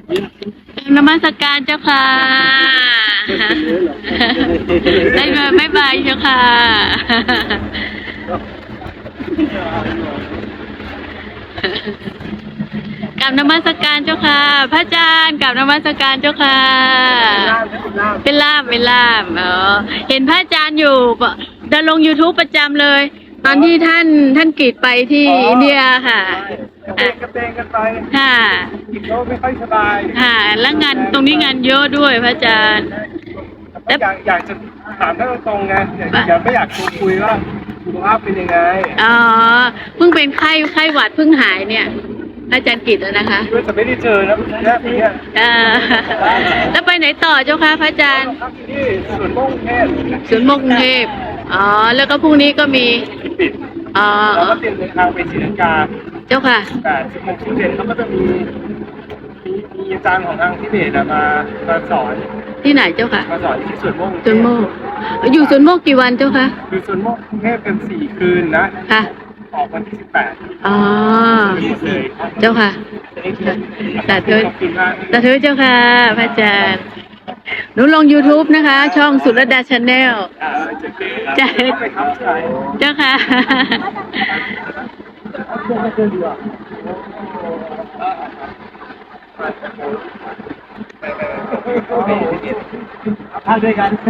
นมัสการเจ้าค่ะได้เงินไม่บายเจ้าค่ะกราบนมัสการเจ้าค่ะพระอาจารย์กราบนมัสการเจ้าค่ะเป็นล่ามเห็นพระอาจารย์อยู่ดำลง YouTube ประจำเลยตอนที่ท่านกรีดไปที่อินเดียค่ะกระเตงกันไปค่ะอีกโลไม่ค่อยสบายค่ะแล้วงานตรงนี้งานเยอะด้วยพระอาจารย์แล้วอยากจะถามท่านตรงๆไงไม่อยากคุยว่าสุขภาพเป็นยังไงอ๋อเพิ่งเป็นไข้หวัดเพิ่งหายเนี่ยอาจารย์กิตแล้วนะคะว่าจะไม่ได้เจอนะแค่นี้แล้วไปไหนต่อเจ้าคะพระอาจารย์ที่สวนโมกกรุงเทพสวนโมกกรุงเทพอ๋อแล้วก็พรุ่งนี้ก็มีปิดอ๋อแล้วก็เตรียมเดินทางไปศรีลังกาเจ้าค่ะ 8-16-17เขาก็จะมีอาจารย์ของทางทิเบตมาสอนที่ไหนเจ้าค่ะมาสอนที่สวนโมกอยู่สวนโมกกี่วันเจ้าคะอยู่สวนโมกกรุงเทพเป็น4 คืนนะค่ะออกวันที่18 อ๋อเจ้าค่ะสาธุเจ้าค่ะพระอาจารย์หนูลง YouTube นะคะช่องสุรดาชาแนลเจ้าค่ะทานด้วยกัน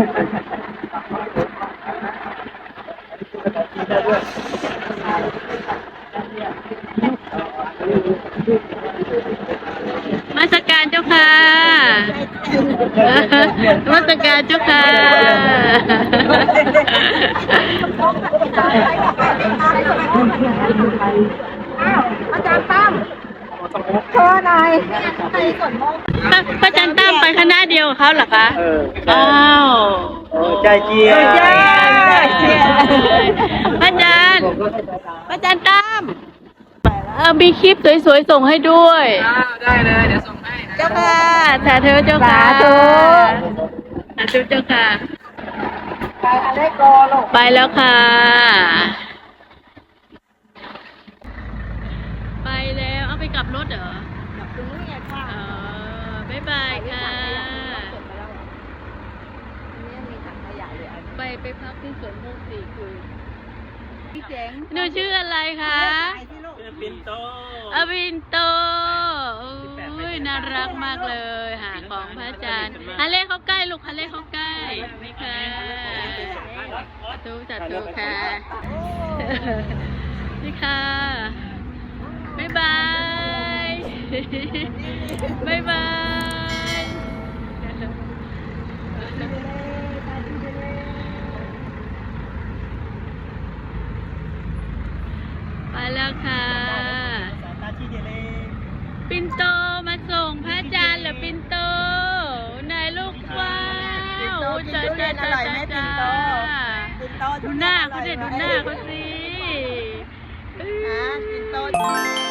มาสการเจ้าค่ะมาสการเจ้าค่ะอาจารย์ตั้มโชว์หน่อยพระอาจารย์ตั้มไปคณะเดียวกับเขาเหรอคะอ้าวใจเจียพระอาจารย์ตั้มมีคลิปสวยๆส่งให้ด้วยได้เลยเดี๋ยวส่งให้เจ้าค่ะสาธุเจ้าค่ะสาธุเจ้าค่ะไปแล้วค่ะไปแล้วเอาไปกลับรถเหรอกลับตรงนี้ค่ะบ๊ายบายค่ะไปพักที่สวนโมก4 คืนพี่เจ๋งหนูชื่ออะไรคะปินโตปินโตอุ้ยน่ารักมากเลยหาของพระอาจารย์ฮันเล่เข้าใกล้ลูกฮันเล่เข้าใกล้นี่ค่ะจัดตูค่ะนี่ค่ะบ๊ายบายบ๊ายบายไปแล้วค่ะปินโตมาส่งพระอาจารย์เหรอปินโตนายลูกว้าวจ้าดูหน้าเขาสิปินโต